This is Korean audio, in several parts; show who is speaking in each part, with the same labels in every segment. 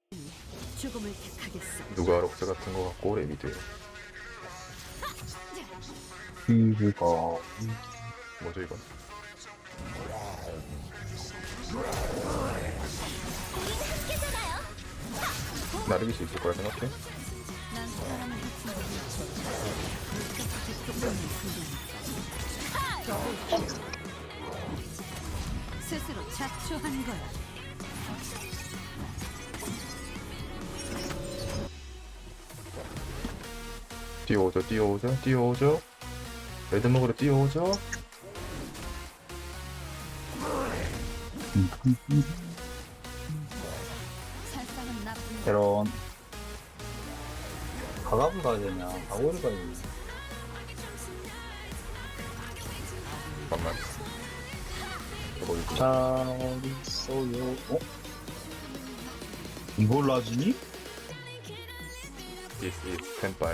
Speaker 1: 죽음을 택하겠어.
Speaker 2: 누가 록스 같은 거 같고 레미드에
Speaker 3: 이거
Speaker 2: 뭐죠 이건? 나르길 수 있을 거라 생각해?
Speaker 1: 난 사람을 스스로 자초한 거야.
Speaker 2: 뛰어오죠 뛰어오죠 뛰어오죠 레드 먹으러 뛰어오죠.
Speaker 1: 살상은 나쁜 거.
Speaker 3: 테론 가갑을 가야 되냐 가고를 가야 되냐
Speaker 2: 잠깐만 이거 이거
Speaker 3: 잘 있어요. 어? 이걸 놔주니?
Speaker 2: This is 템빨.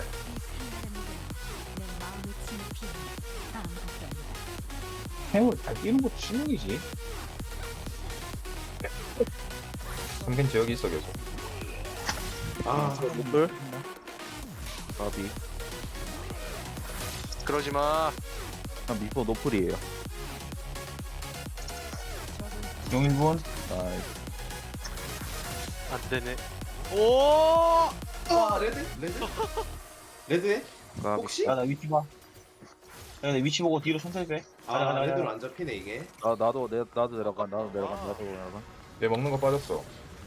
Speaker 1: 내 마음을 치는 피해 아무것도 아니다.
Speaker 3: 행을 잘 뛰는 것도 실력이지.
Speaker 2: 삼긴 지역이 있어 계속.
Speaker 4: 아, 못들? 바비.
Speaker 5: 그러지마.
Speaker 4: 아, 미소 노플이에요.
Speaker 3: 용일본
Speaker 4: 나이스.
Speaker 5: 안되네. 오!
Speaker 6: 아 레드? 레드? 레드에?
Speaker 4: 바비.
Speaker 6: 혹시?
Speaker 3: 야나 위치 봐. 야나 위치 보고 뒤로 천천히 빼.
Speaker 6: 아 레드로 안 잡히네 이게.
Speaker 4: 나도 내려가. 나도 내려가.
Speaker 2: 얘 먹는 거 빠졌어.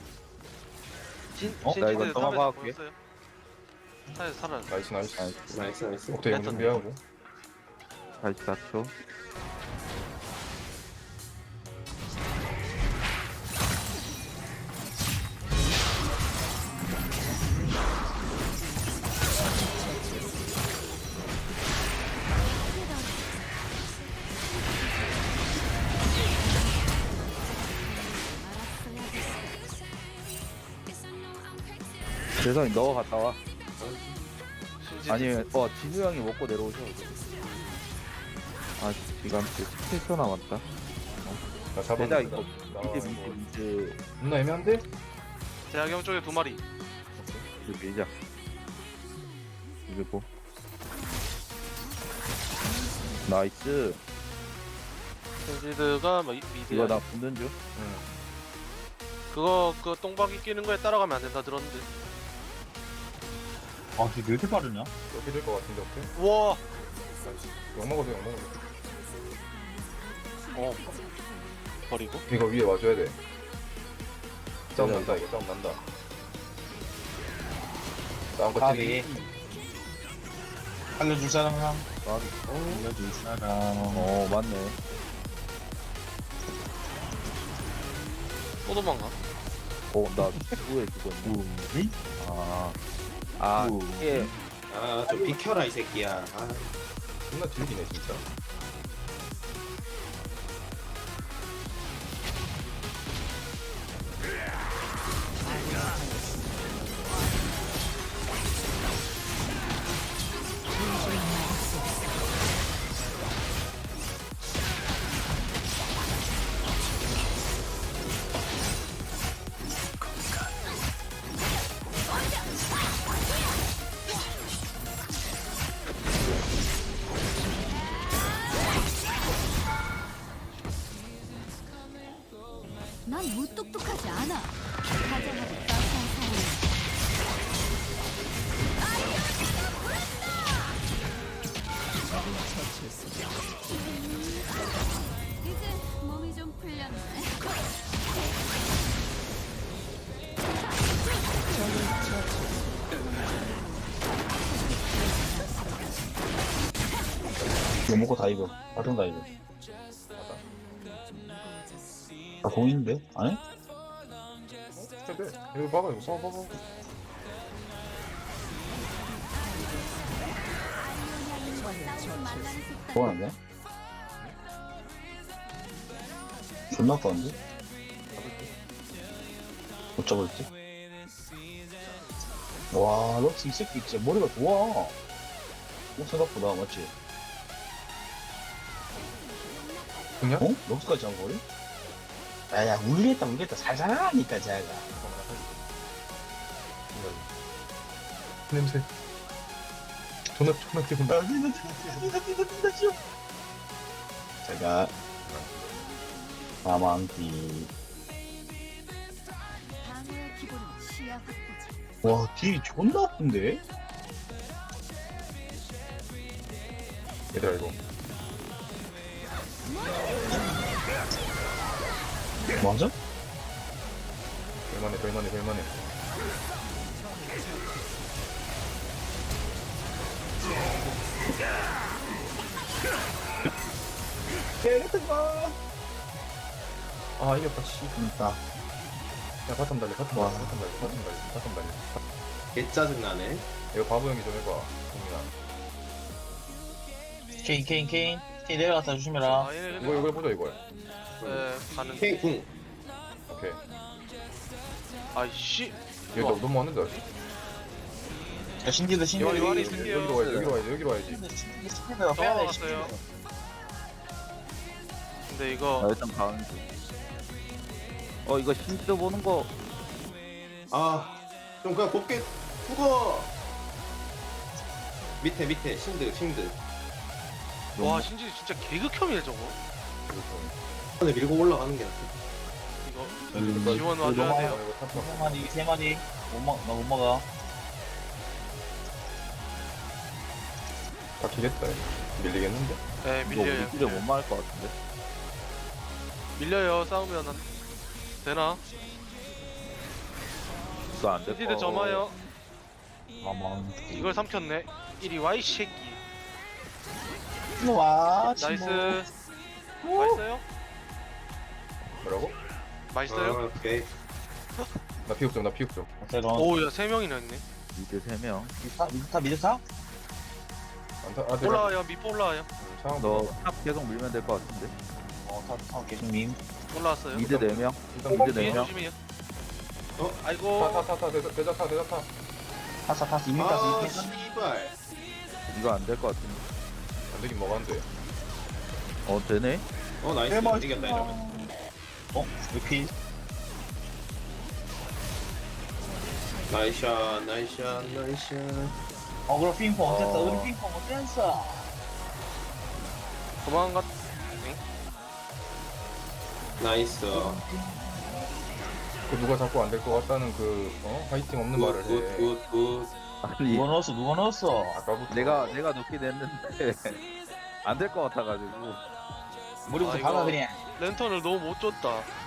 Speaker 4: 나 이거 넘어가 볼게.
Speaker 5: 살아.
Speaker 2: 나이스 나이스.
Speaker 4: 나이스.
Speaker 6: 나이스 나이스.
Speaker 2: 오케이 용 준비하고.
Speaker 4: 44초. 세상에 너가 갔다 와. 아니, 진우 형이 먹고 내려오셔. 아, 지금 17초 남았다.
Speaker 2: 나 잡았는데.
Speaker 4: 대자 이거
Speaker 2: 나
Speaker 4: 미드
Speaker 2: 존나 애매한데?
Speaker 5: 대학경 쪽에 2마리.
Speaker 4: 이거 밀자. 이거 뭐? 나이스.
Speaker 5: 센지드가 뭐
Speaker 4: 이거
Speaker 5: 미드야.
Speaker 4: 나 붙는 줄?
Speaker 2: 응.
Speaker 5: 그거 똥박이 끼는 거에 따라가면 안 된다 들었는데.
Speaker 3: 아 이게 왜 이렇게 빠르냐?
Speaker 2: 이렇게 될 것 같은데 오케이?
Speaker 5: 우와.
Speaker 2: 나이스. 용 먹어도 용 먹어도.
Speaker 5: 버리고.
Speaker 2: 이거 위에 와줘야 돼. 싸움 난다 이거 싸움 난다. 싸움
Speaker 3: 가비.
Speaker 2: 거치기.
Speaker 3: 알려줄 사람 한.
Speaker 4: 가비.
Speaker 3: 알려줄 사람.
Speaker 4: 맞네.
Speaker 5: 또 도망가.
Speaker 4: 나 누구에 죽었네.
Speaker 3: 우리?
Speaker 4: 이게
Speaker 6: 아좀 비켜라 이 새끼야. 아
Speaker 2: 존나 질기네 진짜.
Speaker 1: 난 무뚝뚝하지 않아. 다정하고 따스한 사람. 이제 몸이 좀 풀렸네.
Speaker 3: 이거 먹고 다이브. 바통 다이브. 아 공인데? 안 해?
Speaker 2: 그래. 이거 봐봐 이거 봐봐.
Speaker 1: 싸우고 만나는 습관.
Speaker 3: 그건 안 돼? 존나 아까운데? 못 잡을지? 와 럭스 이 새끼 진짜 머리가 좋아. 생각보다 맞지?
Speaker 2: 그냥?
Speaker 3: 어? 럭스까지 한 거리? 야야 울겠다 살살하니까 제가
Speaker 2: 냄새. 존나 기분 나.
Speaker 3: 제가 사망기.
Speaker 1: 방어의 기본은 시야 확보지.
Speaker 3: 와 딜이 존나 아픈데?
Speaker 2: 얘들아 이거.
Speaker 3: 맞아?
Speaker 2: 될만해. 아 이겼다 씨.
Speaker 3: 그니까.
Speaker 2: 야 바텀 달려.
Speaker 6: 개 짜증나네.
Speaker 2: 이거 바보 형이 좀 해봐. 동민아.
Speaker 3: 케인 내려갔다 조심해라.
Speaker 5: 아 얘네
Speaker 2: 이거
Speaker 5: 근데
Speaker 2: 보자 이거.
Speaker 5: 가는
Speaker 6: K 궁.
Speaker 2: 오케이.
Speaker 5: 아이씨
Speaker 2: 얘 너무 왔는데 아직.
Speaker 3: 야 신기다
Speaker 5: 이거 이거 안에 있을게요.
Speaker 2: 여기로 와야지.
Speaker 3: 신기다 빼야돼
Speaker 5: 넘어갔어요. 근데
Speaker 4: 나
Speaker 5: 이거
Speaker 4: 일단 가는 중. 이거 힌트 보는 거.
Speaker 6: 아, 좀 그냥 곱게 죽어. 밑에 신드.
Speaker 5: 와 신지 진짜 개극혐이네 저거.
Speaker 6: 손에 밀고 올라가는 게 낫다.
Speaker 5: 이거 지원 와줘야 돼요.
Speaker 2: 이거 탑.
Speaker 3: 3마디 3마디 나못 먹어.
Speaker 2: 바뀌겠다. 밀리겠는데?
Speaker 5: 네
Speaker 4: 이거
Speaker 5: 밀려요.
Speaker 4: 우리끼리 못 막을 것 같은데.
Speaker 5: 밀려요. 싸우면 되나?
Speaker 4: 이거 안 될 거.
Speaker 5: 신지드 점화요.
Speaker 3: 사망기.
Speaker 5: 이걸 삼켰네. 이리 와 이 새끼.
Speaker 3: 와
Speaker 5: 나이스. 맛있어요?
Speaker 2: 뭐라고?
Speaker 5: 맛있어요?
Speaker 6: 아, 오케이.
Speaker 2: 나 피육 좀.
Speaker 3: 새로운
Speaker 5: 오야 3명이나 있네.
Speaker 4: 미드 3명.
Speaker 3: 미드타?
Speaker 5: 올라와요. 밑보 올라와요.
Speaker 2: 상황
Speaker 4: 너 탑 계속 밀면 될 것 같은데.
Speaker 3: 타 계속 밈.
Speaker 5: 올라왔어요.
Speaker 4: 미드 4명.
Speaker 2: 일단
Speaker 4: 미드
Speaker 5: 뒤에
Speaker 4: 4명.
Speaker 5: 조심해요.
Speaker 6: 어?
Speaker 5: 아이고.
Speaker 2: 대자타.
Speaker 3: 타스 이미
Speaker 6: 아,
Speaker 3: 타스
Speaker 6: 씨발.
Speaker 4: 이거 안 될 것 같은데.
Speaker 2: 안 되긴 뭐가 안 돼.
Speaker 4: 되네.
Speaker 6: 나이스. 이겼다 이러면.
Speaker 3: 리필.
Speaker 6: 나이샷.
Speaker 3: 그럼 핑퐁 어땠어?
Speaker 4: 어.
Speaker 3: 우리 핑퐁 어땠어?
Speaker 5: 도망갔.
Speaker 6: 나이스.
Speaker 2: 그 누가 자꾸 안 될 것 같다는 그 파이팅 없는 말을 해.
Speaker 6: 굿.
Speaker 4: 아니
Speaker 3: 누가 넣었어?
Speaker 2: 아까부터.
Speaker 4: 내가 놓긴 했는데 안 될 것 같아가지고.
Speaker 3: 머리부터
Speaker 5: 아, 이거-
Speaker 3: 박아 그냥.
Speaker 5: 랜턴을 너무 못 줬다.